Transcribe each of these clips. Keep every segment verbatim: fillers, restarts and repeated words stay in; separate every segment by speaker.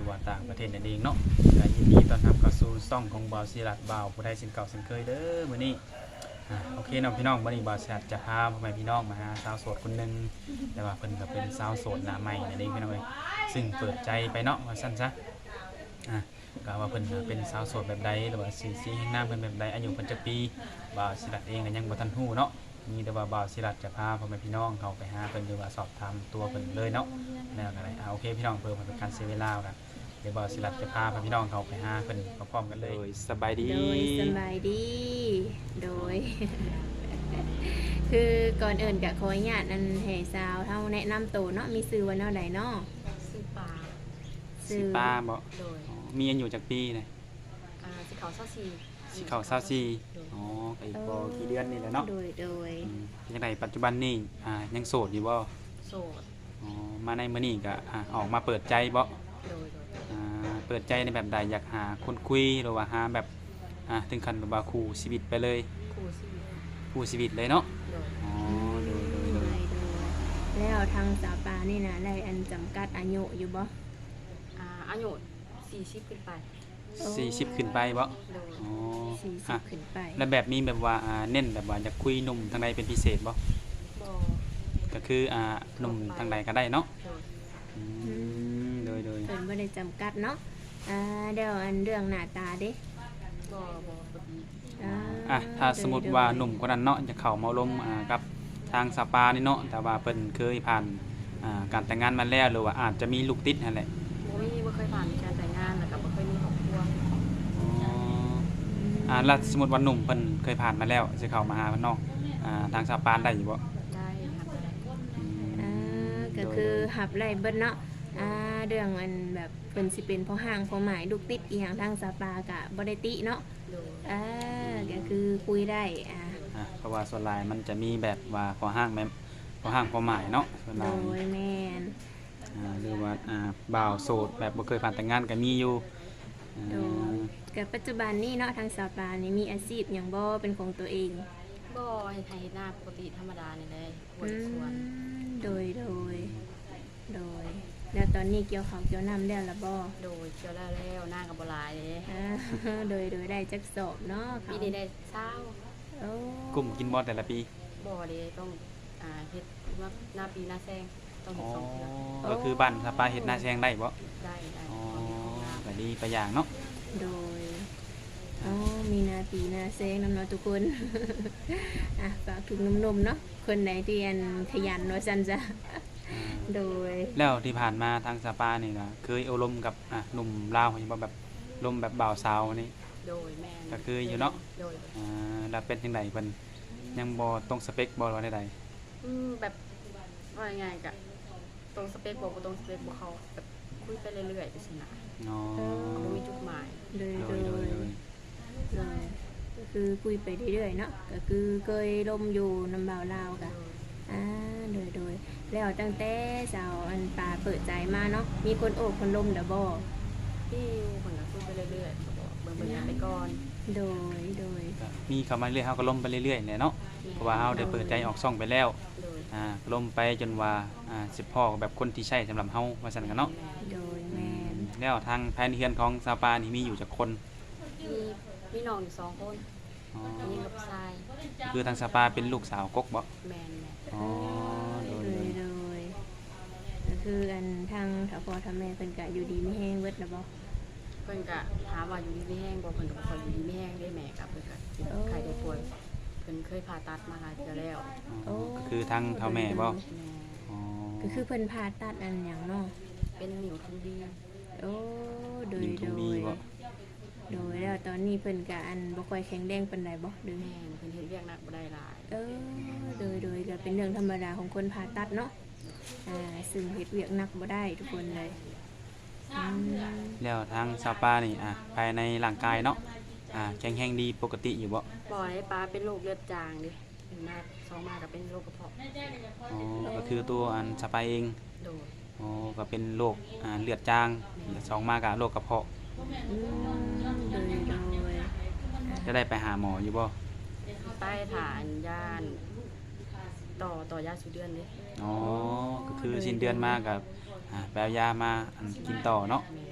Speaker 1: รือว่าต่างประเทศนั่นเองเนาะก็ยินดีต้อนรับเข้าสู่ช่องของบ่าวศิรัตบ่าวผู้ใดสินเก่าสินเคยเด้อมื้อนี้อ่าโอเคเนาะพี่น้องมื้อนี้บ่าวศิรัตจะพาพ่อแม่พี่น้องมาหาสาวโสดคนหนึงแต่ว่าเพิ่นก็เป็นสาวโสดหน้าใหม่นั่นเองพี่น้องเอ้ยซึ่งเปิดใจไปเนาะว่าซั่นซะอ่าก็ว่าเพิ่นเป็นสาวโสดแบบใดหรือว่าสีสีแห่งน้ำเพิ่นแบบใดอายุเพิ่นจักปีบ่าวศิรัตเองก็ยังบ่ทันฮู้เนาะมีแต่ว่าบ่าวศิรัตจะพาพ่อแม่พี่น้องเข้าไปหาเพิ่นหรือว่าสอบถามตัวเพิ่นเลยเนาะแล้วก็ได้อ่าโอเคพี่น้องเพื่อบ่เป็นการเสียเวลากันเดี๋ยวบ่าวศิรัตจะพาพ่อพี่น้องเข้าไปหาเพิ่นพร้อมๆกันเลยสบายดี
Speaker 2: โดยสบายดี โดย คือก่อนอื่นกับขออนุญาตนันให้สาวเท่าแนะนำตัวเนาะมีชื่อว่าแนวใดเนาะ
Speaker 3: ซื้อปลา
Speaker 1: สิป้าบ่
Speaker 3: โดย
Speaker 1: อ๋อมีอายุจักปีนะ
Speaker 3: อ่าสิเขาเศร้าซี
Speaker 1: สิเข้ายี่สิบสี่อ๋อก็อีกบ่กี่เดือนนี่แหละเนาะ
Speaker 2: โดยโดย
Speaker 1: อืมเป็นจังไดปัจจุบันนี่อ่ายังโสดอยู่บ่
Speaker 3: โสด
Speaker 1: อ๋อมาในมื้อนี้ก็อ่าออกมาเปิดใจบ่
Speaker 3: โดยโดย
Speaker 1: อ่าเปิดใจในแบบใดอยากหาคนคุยหรือว่าหาแบบอ่าถึงขั้นแบบว่าคู่ชีวิตไปเลย
Speaker 3: ครูซี
Speaker 1: คู่ชีวิตเลยเนาะ
Speaker 3: โดย
Speaker 1: อ๋อโดยโดย
Speaker 2: โด
Speaker 1: โด
Speaker 2: ย
Speaker 1: ย
Speaker 2: โดยแล้วทางสาวปลานี่นะได้อันจำกัดอายุอยู่บ่
Speaker 3: อ่าอายุสี่สิบขึ้นไป
Speaker 1: สี่สิบขึ้นไปบ่
Speaker 3: โดย
Speaker 1: อ๋อ
Speaker 2: สี่สิ
Speaker 1: อ่ะ
Speaker 2: บขึ้นไป
Speaker 1: แล้วแบบมีแบบว่าอ่าเน้นแบบว่าอยากคุยหนุ่มทางใดเป็นพิเศษบ่
Speaker 3: บอ
Speaker 1: ก็คืออ่าหนุ่มทางใดก็ได้เนาะ
Speaker 3: โดย
Speaker 1: อืมโดยโดย
Speaker 2: เพิ่นบ่ได้จำกัดเนาะอ่าเดี๋ยวอันเรื่องหน้าตาเด้
Speaker 3: บอบอบดี
Speaker 2: อ่า
Speaker 1: อ่ะถ้าสมมุติว่าหนุ่มคนนั้นเนาะจะเข้ามาลมอ่ากับทางสปานี่เนาะแต่ว่าเพิ่นเคยผ่านอ่าการแต่งงานมาแล้วหรือว่าอาจจะมีลูกติดนั่นแหละ
Speaker 3: โมมี่ไม่เคยผ่านการแต่งงานแล้วก็ไม่เคยมีครอบครัว
Speaker 1: อ๋ออ่าแล้วสมมุติว่าหนุ่มเพิ่นเคยผ่านมาแล้วสิเข้ามาหาเพิ่นเนาะอ่าทางสปาได้อยู่บ่
Speaker 3: ได้ครับ
Speaker 1: อืม
Speaker 2: อ่าก็คือหับไล่เบิดเนาะอ่าเรื่องอันแบบเพิ่นสิเป็นพ่อห้างพ่อหมายลูกติดอีหยังทางสาวปลาก็บ่ได้ติเนาะ
Speaker 3: โดย
Speaker 2: อ่าก็คือคุยได้อ่า
Speaker 1: อ่ะเพราะว่าส่วนหลายมันจะมีแบบว่าพอห้างแม่พอห้างพอหมายเนาะส่วนห
Speaker 2: โด
Speaker 1: ลาย
Speaker 2: ยแม่น
Speaker 1: อ่าหรือว่าอ่าบ่าวโสดแบบบ่เคยผ่านแต่งงานก็มีอยู่อ่า
Speaker 2: โดยกับปัจจุบันนี้เนาะทางสาวปลานี่มีอาชีพหยังบ่เป็นของตัวเอง
Speaker 3: บอเห็นไทยหน้าปกติธรรมดานี่เลยค
Speaker 2: อื
Speaker 3: นสวน
Speaker 2: มโดยโดยโดยแล้วตอนนี้เกี่ยวข้าวเกี่ยวน้ำแล้วล่ะบ่
Speaker 3: โดยเกี่ยวแล้วแล้วหน้ากับบหลายเลย
Speaker 2: อ่า โดยโดยได้จักสอบเนาะ
Speaker 3: ปีนี้ได้เศร้า
Speaker 2: โอ้
Speaker 1: กลุ่มกินบ่แต่ละปี
Speaker 3: บอเลยต้องอ่าเฮ็ดว่าหน้าปีหน้าแซงต้อง
Speaker 1: อ๋
Speaker 3: เฮ็
Speaker 1: อ
Speaker 3: ดสองเทื่อ
Speaker 1: ก็คือบ้านสปาเฮ็ดนาแซงได้บ่
Speaker 3: ได้ได้
Speaker 1: อ๋อ
Speaker 3: ต้องเฮ็ดของหน้า
Speaker 1: ก็ดีไปอย่างเนาะ
Speaker 2: โดยอ๋อมีนาปีนาเซงนำเนาะทุกคน อ่ะฝากถึงหนุ่มๆเนาะคนไหนที่อันขยันว่าซั่นจ้ะ
Speaker 1: อ่า
Speaker 2: โดย
Speaker 1: แล้วที่ผ่านมาทางสปานี่ก็เคยอบรมกับอ่ะหนุ่มลาวเห็นบ่แบบลมแบบบ่าวสาวนี่
Speaker 3: โดยแม่น
Speaker 1: ก็คืออยู่เนาะ
Speaker 3: โดย
Speaker 1: อ่าแล้วเป็นจังไดเพิ่นยังบ่ตรงสเปคบ่ว่าใด
Speaker 3: อืมแบบว่ายังไงกะตรงสเปคบอกบ่ตรงสเปคบ่เขาแบบคุยไปเรื่อยๆไปสินะ
Speaker 1: ๆอ๋อ
Speaker 3: บ่มีจุดหมาย
Speaker 2: โดย
Speaker 1: โด
Speaker 2: โด
Speaker 1: ย
Speaker 2: ย
Speaker 1: โดยโดย
Speaker 2: โดยก็คือคุยไปเรื่อยๆเนาะก็คือเคยลมอยู่น้ำบ่าวลาว
Speaker 3: โด
Speaker 2: กะ
Speaker 3: ย
Speaker 2: อ่าโดยโดยแล้วตั้งแต่สาวอันปลาเปิดใจมาเนาะมีคนโอบคนลมเด้อบ่
Speaker 3: พี่เพิ่นก็คุยไปเรื่อยๆก็บอกเบิ่งเบิ่งกันไปก่อน
Speaker 2: โดยโดย
Speaker 1: ก็มีเข้ามาเรื่อยเฮาก็ล่มไปเรื่อยๆแหละเนาะเพราะว่าเฮาได้เปิดใจออกช่องไปแล้ว
Speaker 3: โดย
Speaker 1: อ่าล่มไปจนว่าอ่าสิพ่อแบบคนที่ใช่สำหรับเฮาว่าซั่นกันเนาะ
Speaker 2: โดยแม่น
Speaker 1: แล้วทางภายในเฮือนของซาปานี่มีอยู่จักคน
Speaker 3: มีมีน้องอยู่สองคน
Speaker 1: อ๋อ
Speaker 3: ผู้หญิงกับชาย
Speaker 1: คือทางซาปาเป็นลูกสาวกกบ่
Speaker 3: แม่นแม่น
Speaker 1: อ๋อโด
Speaker 2: โด
Speaker 1: ย
Speaker 2: ย
Speaker 1: โดย
Speaker 2: โดยก็คืออันทางถ้าพ่อถ้าแม่เพิ่นก็อยู่ดีมีแฮงเบิดแล้วบ่
Speaker 3: เพิ่นก็ถามว่าอยู่ดีไม่แห้งบ่เพิ่นก็บ่ค่อยอยู่ดีไม่แห้งได้แม่กับเพิ่นก็เป็นไข้ได้ป่วยเพิ่นเคยผ่าตัดมาหลายเทื่อแล้ว
Speaker 1: อ๋อก็คือทางเฒ่าแม่บ่
Speaker 3: แม่
Speaker 1: อ๋อ
Speaker 2: ก็คือเพิ่นผ่าตัดอันหยังเนาะ
Speaker 3: เป็นนิ้วทุนดี
Speaker 2: โอ้โดย
Speaker 1: ยิงทุ
Speaker 2: โด
Speaker 1: งมี
Speaker 2: ย
Speaker 1: บ่
Speaker 2: โดยแล้วตอนนี้เพิ่นก็อันบ่ค่อยแข็งแรงปานใดบ่หรือ
Speaker 3: แม่นเพิ่นเฮ็ดเวียกหนักบ่ได้หลาย
Speaker 2: เออโดยโดยก็เป็นเรื่องธรรมดาของคนผ่าตัดเนาะอ่าซึ่งเฮ็ดเวียกหนักบ่ได้ทุกคนเลยอืม
Speaker 1: แล้วทางซาปานี่อ่ะภายในร่างกายเนาะอ่าแข็งแรงดีปกติอยู่บ่
Speaker 3: บ่ให้ป้าเป็นโรคเลือดจางดิเป็นมาสองมาก็เป็นโรคกระเพาะ
Speaker 1: อ๋อก็คือตัวอันซาปาเอง
Speaker 3: โดย
Speaker 1: อ๋อก็เป็นโรคอ่าเลือดจางสองมากับโรคกระเพาะ
Speaker 2: อืมโดยโดย
Speaker 1: จะได้ไปหาหมออยู่บ่
Speaker 3: ใต้ฐานย่านต่อต่อยาสูเดือนดิ
Speaker 1: อ๋อก็คือสิ้นเดือนมากับอ่าไปเอายามาอันกินต่อเนาะ
Speaker 3: แม่
Speaker 2: โ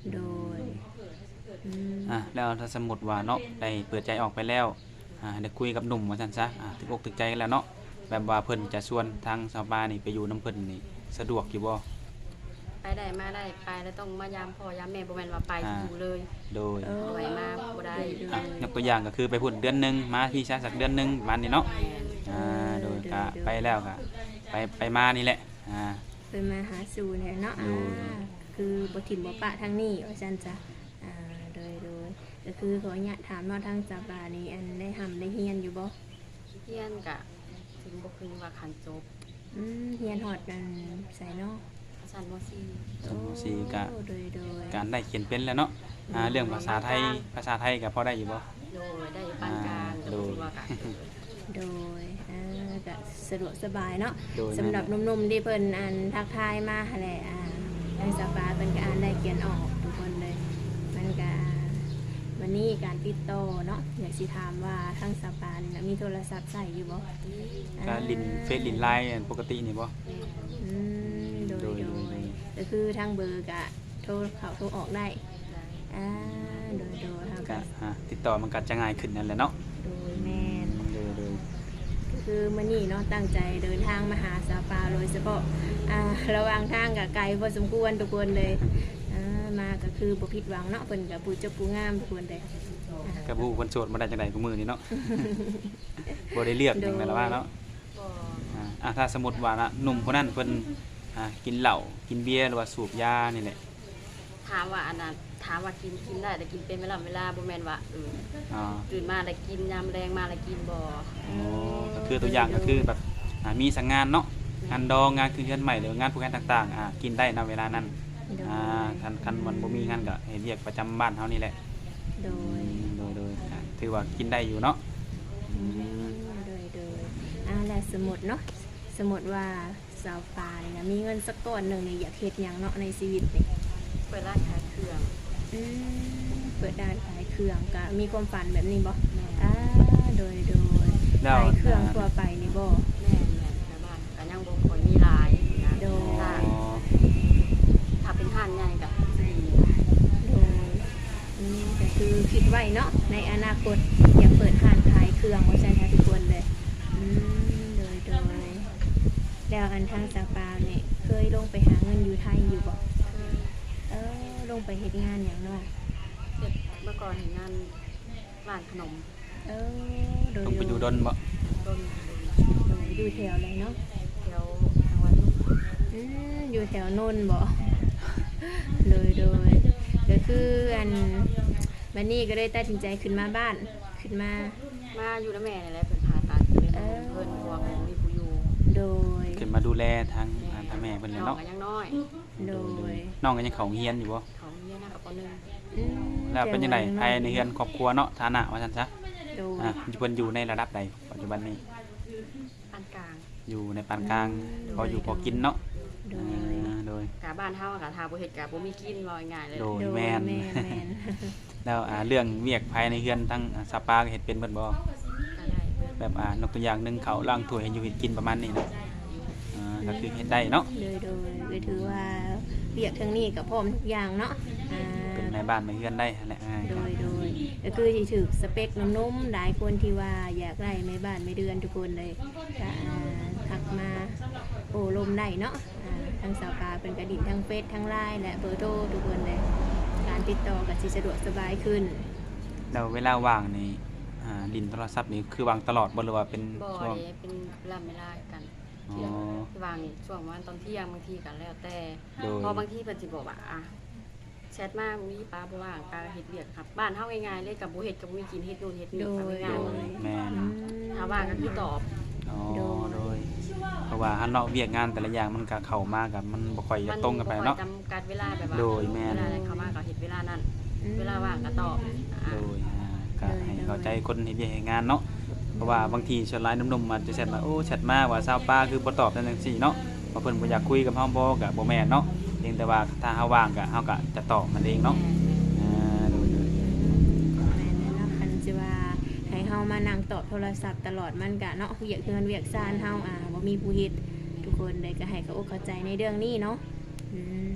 Speaker 2: โดยอืม
Speaker 1: อ่ะแล้วถ้าสมมุติว่าเนาะได้เปิดใจออกไปแล้วอ่าได้คุยกับหนุ่มว่าซั่นซะอ่าถึกอกถึกใจกันแล้วเนาะแบบว่าเพิ่นจะชวนทางชาวบ้านนี่ไปอยู่นํเพิ่นนี่สะดวกอยู่บ่
Speaker 3: ไปได้มาได้ไปแล้วต้องมายามพ่อยามแม่บ่แม่นว่าไป
Speaker 1: อ่า
Speaker 3: อยู่เลย
Speaker 1: โดย
Speaker 2: เออ
Speaker 3: บ่ให้มาบ่ได้
Speaker 1: อ่ะยกตัวอย่างก็คือไปพุ่นเดือนหนึงมาพี่ชาสักเดือนหนึงประมาณนี้เนาะ
Speaker 3: แม่น
Speaker 1: อ่าโดยก็ไปแล้วก็ไปไปมานี่แหละอ่า
Speaker 2: เพิ่นมาหาสู่เนี่ยเนาะ
Speaker 1: โด
Speaker 2: อ่าย คือบ่ถิ่มบ่ปะทางนี้ว่าซั่นจ้ะอ่าโดยโดยก็คือขออนุญาตถามเนาะทางสาบานี่อันได้ทำได้เฮียนอยู่บ่
Speaker 3: เฮียนก็ถึงบ่พึงว่าคันจบ
Speaker 2: อืมเฮียนฮอดนั่นใส่เนาะ
Speaker 3: ชั้นม .สี่
Speaker 1: สมสี่ก็
Speaker 2: โอ้โดยโดย
Speaker 1: การได้เขียนเป็นแล้วเนาะอ่าเรื่องภาษาไทยภาษาไทยก็พอได้อยู่บ่
Speaker 3: โดยได้ปานกลาง
Speaker 1: อ่า
Speaker 3: โดยว่าก็
Speaker 2: โดยอ่าก็สะดวกสบายเนาะ
Speaker 1: โดย
Speaker 2: สำหรับหนุ่มๆที่เพิ่นอ่านทักทายมาหั่นแหละอ่าทางสาบาเพิ่นก็อ่านได้เขียนออกทุกคนเลย มันก็วันนี้การติดต่อเนาะอยากสิถามว่าทางสาบานี่นะมีโทรศัพท์ใช้อยู่บ่
Speaker 1: ก็ลินเฟซลินไลน์ปกตินี่บ่
Speaker 2: อืมโดย
Speaker 1: โดย
Speaker 2: โด
Speaker 1: โด
Speaker 2: ย
Speaker 1: ย
Speaker 2: ก็คือทางเบอร์ก็โทรเข้าโทรออกได้
Speaker 3: ได้
Speaker 2: อ่าโดยโดยทาง
Speaker 1: ก็
Speaker 2: ก็
Speaker 1: อ่าติดต่อมันก็จะง่ายขึ้นนั่นแหละเนาะ
Speaker 2: โดยแม่น
Speaker 1: โดยโดย
Speaker 2: ก็คือมื้อนี้เนาะตั้งใจเดินทางมาหาสาปาโดยเฉพาะอ่าระหว่างทางก็ไกลพอสมควรทุกคนเลยอ่ามาก็คือบ่ผิดหวังเนาะเพิ่นก็ผู้เจ้าผู้งามทุกคนเลยอ่า
Speaker 1: กับผู้คนโสดมาได้จังได๋กูมือนี่เนาะ บ่ได้เลือกหยังแม่นละว่าเนาะ
Speaker 3: บ่
Speaker 1: อ่าอ่ะถ้าสมมุติว่านะหนุ่มคนนั้นเพิ่นอ่ากินเหล้ากินเบียร์หรือว่าสูบยานี่แหละ
Speaker 3: ถามว่าอันนั้นถามว่ากินกินได้แต่กินเป็นเวลาเวลาบ่แม่นว่าเออ
Speaker 1: อ่า
Speaker 3: ตื่นมาแล้วกินยามแรงมาแล้วกินบ่
Speaker 1: โอ้ก็คือตัวอย่างก็คือแบบอ่ามีสังงานเนาะงานดองงานคืนเดือนใหม่หรืองานผู้งานต่างๆอ่ากินได้ณเวลานั้น
Speaker 2: โดย
Speaker 1: อ่าคันคันมันบ่มีงานก็ให้เรียกประจำบ้านเฮานี่แหละ
Speaker 2: โด
Speaker 1: อื
Speaker 2: ย
Speaker 1: มโดยโดยอ่าถือว่ากินได้อยู่เนาะอื
Speaker 2: อื
Speaker 1: ม
Speaker 2: มโดยโดยอ่าแล้วสมมุติเนาะสมมุติว่าสาวปานี่นะมีเงินสักก้อนหนึงนี่อยากเฮ็ดหยังเนาะในชีวิตนี่
Speaker 3: เปิดร้านขายเครื่อง
Speaker 2: อืมเปิดร้านขายเครื่องก็มีความฝันแบบนี้บ่อ่าโดยโดย
Speaker 1: แล้ว
Speaker 2: ขายเครื่องทั่วไปนี่บ่
Speaker 3: แม่แม่แม่บ้านก็ยังบ่ค่อยมีหลายนะ
Speaker 2: โดย
Speaker 3: ถ้า
Speaker 1: อ๋อ
Speaker 3: ถ้าเป็นห้านใหญ่ก็สิดี
Speaker 2: โดยอืมก็คือคิดไว้เนาะในอนาคตอยากเปิดร้านขายเครื่องว่าซั่นค่ะทุกคนเลยอืมโดยโดยแล้วอันทางสาวปานี่เคยลงไปหาเงินอยู่ไทยอยู่บ่
Speaker 3: คือ
Speaker 2: เออลงไปเฮ็ดงานหยังเนาะ
Speaker 3: เฮ็ดเมื่อก่อนเฮ็ดงานร้านขนม
Speaker 2: เออโดย
Speaker 1: ต้องไปอยู่ดนบ่
Speaker 3: ต้น
Speaker 2: โดยอยู่แถวอะไรเนาะ
Speaker 3: แถวทางวันลูก
Speaker 2: อืมอยู่แถวนนท์บ่ โดยโดยก็คืออันบัดนี้ก็ได้ตัดสินใจขึ้นมาบ้านขึ้นมา
Speaker 3: มาอยู่นำแม่นี่แหละเพิ่นพาตัดเลย
Speaker 2: เออ
Speaker 3: เพิ่นเพราะว่าเพิ่นมีผู้อยู่
Speaker 2: โดย
Speaker 1: ขึ้นมาดูแลทางอ่าทางแม่เพิ่นเลย
Speaker 3: น้อง
Speaker 1: เนาะ
Speaker 3: ก็ยังน้อย
Speaker 2: โดย
Speaker 1: น้องก็ยังเขาเฮียนอยู่บ่
Speaker 3: เขาเรียนนะกับปหนึ่ง
Speaker 2: อืม
Speaker 1: แล้วเป็นยังไงภายในเฮือนครอบครัวเนาะฐานะว่าซั่นซะ
Speaker 2: โดย
Speaker 1: อ่าเพิ่นอยู่ในระดับใดปัจจุบันนี้
Speaker 3: ปานกลาง
Speaker 1: อยู่ในปานกลางพออยู่พอกินเนาะ
Speaker 2: โด
Speaker 1: อ่
Speaker 2: ย
Speaker 1: าโดย
Speaker 3: กะบ้านเฮาอะกะทาบ่เฮ็ดกะบ่มีกินว่าง่ายๆเลย
Speaker 1: โดย
Speaker 2: โดย
Speaker 1: แม่น
Speaker 2: แม่นแม่น
Speaker 1: แล้วอ่าเรื่องเวียกภายในเฮือนทั้งอ่าสปาก็เฮ็ดเป็นเบิดบ่
Speaker 3: ก็ได้เบิด
Speaker 1: แบบอ่านกตัวอย่างหนึงเขาวล้างถ้วยให้อยู่เฮ็ดกินประมาณนี้เนาะอ่าก็คือเฮ็ดได้เนาะ
Speaker 2: โดยโดยก็ถือว่าเบียกทางนี้ก็พร้อมทุกอย่างเนาะอ่า
Speaker 1: เป็นแม่บ้านแม่เฮือนได้นั่นแหละง่าย
Speaker 2: โดยโดยก็คือที่ถือสเปคนุ่มๆหลายคนที่ว่าอยากได้ไม่บ้านไม่เดือนทุกคนเลยก็อ่าทักมาโอ้ลมได้เนาะอ่าทางสาวปลาเป็นกระดิ่งทั้งเฟซทั้งไลน์และเบอร์โทรทุกคนเลยการติดต่อก็สิสะดวกสบายขึ้น
Speaker 1: แล้วเวลาว่างนี่อ่าลิ้นโทรศัพท์นี่คือวางตลอดบ่หรือว่าเป็น
Speaker 3: บ่
Speaker 1: ช่วง
Speaker 3: ได้เป็นเวลาเวลากัน
Speaker 1: อ๋อ
Speaker 3: เที่ยงวางช่วงประมาณตอนเที่ยงบางทีก็แล้วแต่
Speaker 1: โดย
Speaker 3: เพอบางทีเพิ่นสิบอกว่าอ่ะแชทมามีป้าบ่ว่างป้าเฮ็ดเวียกครับ บ้านเฮาง่ายๆเลยกับบ่เฮ็ดกับบ่มีกินเฮ็ดนู่นเฮ็ดนี่
Speaker 2: โดย
Speaker 3: ก็
Speaker 1: โด
Speaker 3: ง่าย
Speaker 1: ยแม่น
Speaker 2: อืม
Speaker 3: ๆถ้าว่างก็คือตอบ
Speaker 1: อ๋อ
Speaker 2: โดย
Speaker 1: โดยเพราะว่าหันเนาะเวียกงานแต่ละอย่างมันก็เข้ามากับมันบ่ค่อยจะตรงกันไป
Speaker 3: มั
Speaker 1: เนาะ
Speaker 3: บ่ค่อยจำกัดเวลาแบบว่า
Speaker 1: โดยแม่น
Speaker 3: เวลาใดเข้ามาก็เฮ็ดเวลานั้น
Speaker 2: อืม
Speaker 3: เวลาว่างก็ตอบอ่ะ
Speaker 1: โดยอ่าก็ให้เข้าใจคนเฮ็ดเวียกเฮ็ดงานเนาะเพราะว่าบางทีส่วนหลายหนุ่มๆอาจจะแชทมาโอ้แชทมาว่าซาวป้าคือบ่ตอบจังซี่เนาะว่าเพิ่นบ่อยากคุยกับเฮาบ่ก็บ่แม่นเนาะเพียงแต่ว่าถ้าเฮาว่างก็เฮาก็จะตอบมันเองเนาะอ่าโดยโดย
Speaker 2: แม่นแล้วเนาะคันสิว่าให้เฮามานั่งตอบโทรศัพท์ตลอดมันก็เนาะเวียกเฮือนเวียกซ่านเฮาอ่าบ่มีผู้เฮ็ดทุกคนเลยก็ให้เขาอกเข้าใจในเรื่องนี้เนาะอืม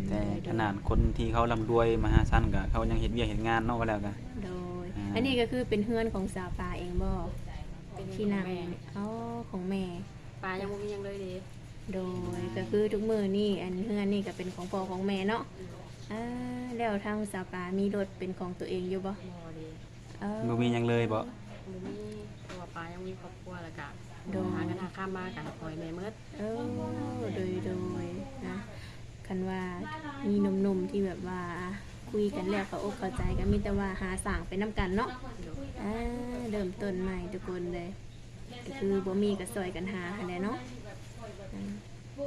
Speaker 1: แต่ขนาดคนที่เขาร่ำรวยมหาชันก็เขายังเฮ็ดเวียกเฮ็ดงานเนาะว่าแล้วก็
Speaker 2: โดย
Speaker 1: อ่า
Speaker 2: อันนี้ก็คือเป็นเฮือนของสาวปลาเองบ่
Speaker 3: เป็น
Speaker 2: ที่
Speaker 3: ที่
Speaker 2: นั่
Speaker 3: นาง ง
Speaker 2: อ๋อของแม่
Speaker 3: ปลายังบ่มีหยังเลยเด้
Speaker 2: โดยก็คือทุกมือนี่อันเฮือนนี่ก็เป็นของพ่อของแม่เนาะอ่าแล้วทางสาวปลามีรถเป็นของตัวเองอยู่บ่
Speaker 3: บ่เด้
Speaker 2: เออ
Speaker 1: บ่มีหยังเลยบ่
Speaker 3: บ่มีเพราะว่าปลายังมีครอบครัวแล้วก็
Speaker 2: โดย
Speaker 3: หากันหาข้ามมากันคอยแม่เมิด
Speaker 2: เออโดยโดยนะคันว่ามีหนุ่มๆที่แบบว่าคุยกันแล้วเขาอกเข้าใจก็มีแต่ว่าหาสร้างไปน้ำกันเนาะ
Speaker 3: โดย
Speaker 2: อ่าเริ่มต้นใหม่ทุกคนเลยก็คือบ่มีก็ซอยกันหาหั้นแหละเนาะอ่า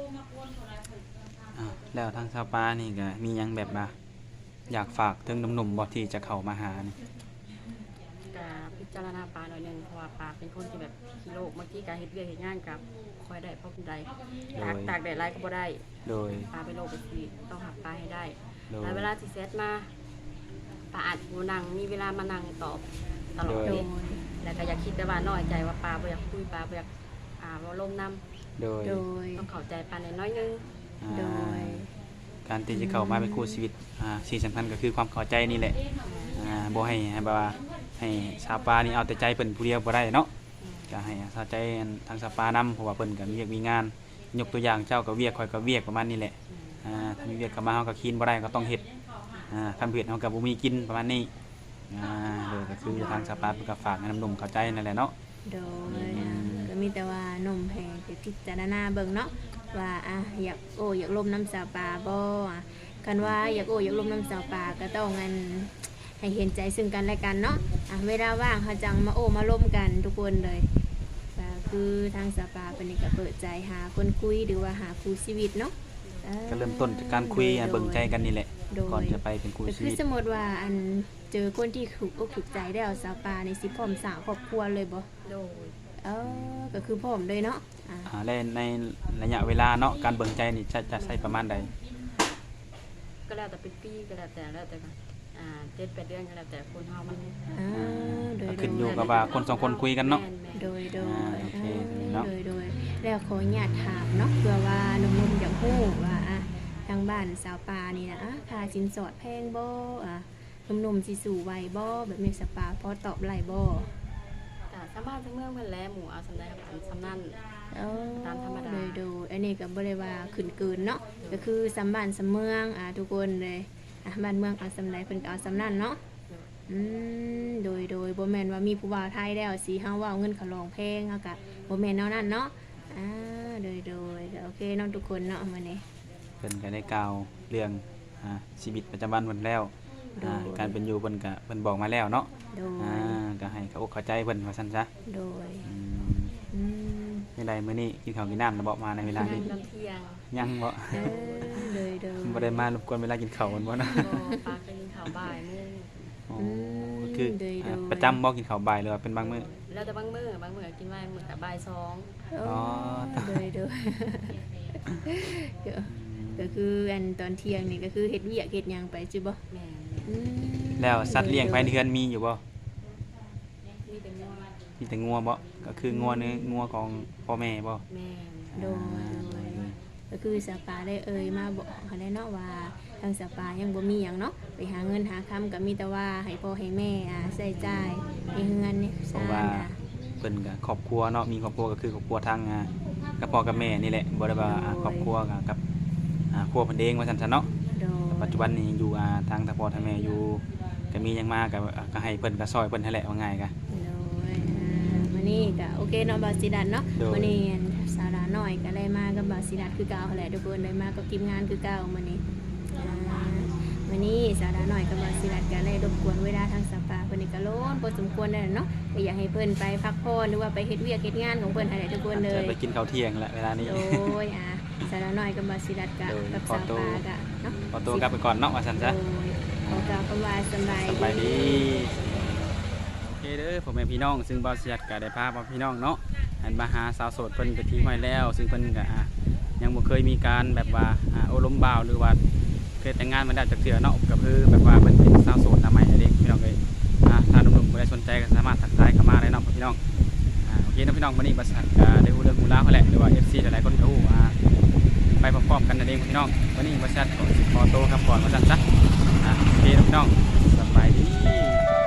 Speaker 1: อ้าวแล้วทางชาวปานี่ก็มีหยังแบบว่าอยากฝากถึงหนุ่มๆบ่ที่จะเข้ามาหานี่
Speaker 3: ก็พิจารณาปลาหน่อยหนึงเพราะว่าปลาเป็นคนที่แบบขี้โลกบางทีการเฮ็ดเวียกเฮ็ดงานกับคอยได้เพราะคนใดตากตากแดดหลายก็บ่ได้
Speaker 1: โดย
Speaker 3: ปลาเป็นโลกเป็นสีต้องหักปลาให้ได้
Speaker 1: โดย
Speaker 3: แล้วเวลาที่เซตมาปลาอาจบ่นั่งมีเวลามานั่งตอบตลอด
Speaker 1: โด
Speaker 2: โด
Speaker 3: เลย
Speaker 2: ย
Speaker 3: แล้วก็อยากคิดแต่ว่าน้อยใจว่าปลาบ่อยากคุยปลาบ่อยากอ่าบ่ลมน้ำ
Speaker 1: โดย
Speaker 2: โดย
Speaker 3: ต้องเข้าใจปลาน้อยๆนึง
Speaker 1: อ่า
Speaker 2: โดย
Speaker 1: การที่จะเข้ามาเป็นคู่ชีวิตอ่าสิ่งสำคัญก็คือความเข้าใจนี่แหละอ่าบ่ให้ให้แบบว่าให้ชาวปานี่เอาแต่ใจเพิ่นผู้เดียวบ่ได้เนาะก็ให้เข้าใจทางชาวปานํเพราะว่าเพิ่นก็มีเวียกมีงาน ยกตัวอย่างเจ้าก็เวียกข่อยก็เวียกประมาณนี้แหละอ่าถ้ามีเวียกเข้ามาเฮาก็คีนบ่ได้ก็ต้องเฮ็ดอ่าคันบ่เฮ็ดเฮาก็บ่มีกินประมาณนี้อ่าโดยก็คือทางชาวปาเพิ่นก็ฝากให้น้ำนมเข้าใจนั่นแหละเนาะ
Speaker 2: โดยอ่าก็มีแต่ว่าหนุ่มให้ไปพิจารณาเบิ่งเนาะว่าอ่ะอยากโอ้อยากลมน้ำสาวปลาบ่อ่ะคันว่าอยากโอ้อยากลมน้ำสาวปลาก็ต้องงันให้เห็นใจซึ่งกันและกันเนาะอ่ะเวลาว่างเขาจังมาโอ้มาล่มกันทุกคนเลยก็คือทางสาวปลาเป็นนี่ก็เปิดใจหาคนคุยหรือว่าหาคู่ชีวิตเนาะอ่า
Speaker 1: ก็เริ่มต้นจากการคุยอ่ะ
Speaker 2: โด
Speaker 1: เบิ่งใจกันนี่แหละ
Speaker 2: โดย
Speaker 1: ก่อนจะไปเป็นคู่
Speaker 2: ก็
Speaker 1: ชี
Speaker 2: คือ
Speaker 1: วิต
Speaker 2: สมมติว่าอันเจอคนที่ถูกอกถูกใจได้เอาสาวปลาในสิพร้อมสร้างครอบครัวเลยบ่
Speaker 3: โดย
Speaker 2: เออก็คือพร้อมเลยเนาะอ่า
Speaker 1: อ่าและในระยะเวลาเนาะการเบิ่งใจนี่จะจะใช้ประมาณใด
Speaker 3: ก็แล้วแต่เป็นปีก็แล้วแต่แล้วแต่กันอ่าเจ็ดแปดเดือนก็แล้วแต่คนเฮามัน
Speaker 2: อ่าโดย
Speaker 1: ก็
Speaker 2: โด
Speaker 1: ขึ้นอยู่
Speaker 2: ย
Speaker 1: กับว่าคนสองคนคุยกันเนาะ
Speaker 3: แม่นๆ
Speaker 2: โดยโดย
Speaker 1: อ่าโอเคเนาะ
Speaker 2: โดยโดยแล้วขออนุญาตถามเนาะเพื่อว่าหนุ่มๆอยากฮู้ว่าอ่ะทางบ้านสาวปลานี่นะอ่ะค่าสินสอดแพงบ่อ่ะหนุ่มๆสิสู่ไหวบ่แบบนี้สาวปลาพอตอบไหลบ่
Speaker 3: แต่สามารถทั้งเมืองเพิ่นแลหมู่เอาสำได้กับอันสำนั่น
Speaker 2: เออ
Speaker 3: ตามธรรมดา
Speaker 2: โดยโดยอันนี้ก็บ่ได้ว่าขึ้นเกินเนาะก็คือสำบ้านสำเมืองอ่ะทุกคนเลยอ่ะบ้านเมืองเอาสำใดเพิ่นก็เอาสำนั้นเนาะ อืมโดยโดยบ่แม่นว่ามีผู้บ่าวไทยแล้วสิเฮาว่าเอาเงินเขาลองแพงเฮาก็บ่แม่นแนวนั้นเนาะอ่าโดยโดยก็โอเคเนาะทุกคนเนาะมื้อนี้
Speaker 1: เพิ่นก็ได้กล่าวเรื่องอ่าชีวิตประจำวันเพิ่นแล้วอ่า
Speaker 2: โดย
Speaker 1: การเป็นอยู่เพิ่นก็เพิ่นบอกมาแล้วเนาะ
Speaker 2: โด
Speaker 1: อ่าย ก็ให้เขาอกเข้าใจเพิ่นว่าซั่นซะ
Speaker 2: โดย
Speaker 1: อืม
Speaker 2: อืม
Speaker 1: ในใดมื้อนี้กินข้าวกินน้ำแล้วบ่มาในเวลานี้
Speaker 3: ตอนเที่ยง
Speaker 1: ยังบ่
Speaker 2: เออโดยโดย
Speaker 1: บ่ได้มารบกวนเวลากินข้าวมันบ่นะ
Speaker 3: ก็ปลาเคยกินข้าวบ่ายมื้อ
Speaker 1: อ๋อ
Speaker 2: อืม
Speaker 1: คือ
Speaker 2: โดยโด
Speaker 1: อ่าย ประจำบ่กินข้าวบ่ายหรือว่าเป็นบางมื้อ
Speaker 3: แล้วแต่บางมื้อบางมื้อก็กินบ่ายมื้อก็บ่ายสอง
Speaker 2: โอ้
Speaker 1: อ๋อ
Speaker 2: โดยโดยก็ก็คืออันตอนเที่ยงนี่ก็คือเฮ็ดเวียกเฮ็ดหยังไปจิบ่
Speaker 3: แม่น
Speaker 2: อืม
Speaker 1: แล้วสัตว์เลี้ยงภายในเรือนมีอยู่บ่
Speaker 3: มีแต่งัว
Speaker 1: มีแต่งัวบ่ก็คืองัวเนื้องัวของพ่อแม่บ่
Speaker 3: แม่น
Speaker 2: โดยโดยก็คือสปาได้เอ่ยมาบอกเขาได้เนาะว่าทางสปายังบ่มีหยังเนาะไปหาเงินหาคำก็มีแต่ว่าให้พ่อให้แม่อ่าใช้จ่ายให้เงินนี่
Speaker 1: เพ
Speaker 2: ซ่า
Speaker 1: ราะว่า
Speaker 2: น่ะ
Speaker 1: เพิ่นก็ครอบครัวเนาะมีครอบครัวก็คือครอบครัวทางอ่ากับพ่อกับแม่นี่แหละบ่ได้ว่าอ่าครอบครัวกับกับอ่าครัวเพิ่นเองว่าซั่นซะเนาะ
Speaker 2: โดย
Speaker 1: ปัจจุบันนี้อยู่อ่าทางทางพ่อทางแม่อยู่ก็มีหยังมาก็อ่าก็ให้เพิ่นก็ซอยเพิ่นนั่นแหละว่าง่ายก็
Speaker 2: โดยอ่ามื้อนี้ก็โอเคเนาะบาสิดันเนาะ
Speaker 1: โดย
Speaker 2: มื้อนี้อันสาระน้อยก็ได้มากับบาสิดันคือเก่าหั่นแหละทุกคนได้มากับทีมงานคือเก่ามื้อนี้อ่ามื้อนี้สาระน้อยกับบาสิดันก็ได้รบกวนเวลาทางสปาเพิ่นนี่ก็โลนพอสมควรแล้วเนาะก็อยากให้เพิ่นไปพักผ่อนหรือว่าไปเฮ็ดเวียกเฮ็ดงานของเพิ่นหั่นแหละทุกคนเล
Speaker 1: จะ
Speaker 2: ย
Speaker 1: ไปกินข้าวเที่ยงแหละเวลานี้
Speaker 2: โดยอ่ะสาระน้อยกับบาสิดันก็
Speaker 1: โดย
Speaker 2: กับ
Speaker 1: ขอ
Speaker 2: สาว
Speaker 1: ตัว
Speaker 2: ปากะเนาะ
Speaker 1: ขอตัวกลับไปก่อนเนาะว่าซั่น
Speaker 2: โด
Speaker 1: ซะ
Speaker 2: ยขอกล่าวคำว่าสำบาย
Speaker 1: สบายดีโอเคเด้อผมเป็นพี่น้องซึ่งบ่าวเสียดก็ได้พาพ่อพี่น้องเนาะอันมาหาสาวโสดเพิ่นไปที่ห้อยแล้ว ซึ่งเพิ่นก็อ่ะยังบ่เคยมีการแบบว่าอ่าโอลมบ่าวหรือว่าเคยแต่งงานมาได้จากเทื่อเนาะก็คือแบบว่าเพิ่นเป็นสาวโสดหน้าใหม่นั่นเองพี่น้องเอ้ยอ่ะถ้าหนุ่มๆผู้ใดสนใจก็สามารถทักทายเข้ามาได้เนาะพี่น้องอ่าโอเคเนาะพี่น้องวันนี้บริษัทก็ได้ฮู้เรื่องฮู้ราวเขาแหละหรือว่า เอฟ ซี หลายๆคนก็ฮู้ว่าไปพร้อมๆกันนั่นเองพี่น้องวันนี้บริษัทขอขอโตวครับก่อนมาสั่นซะอ่ะโอเคพี่น้องสบายดี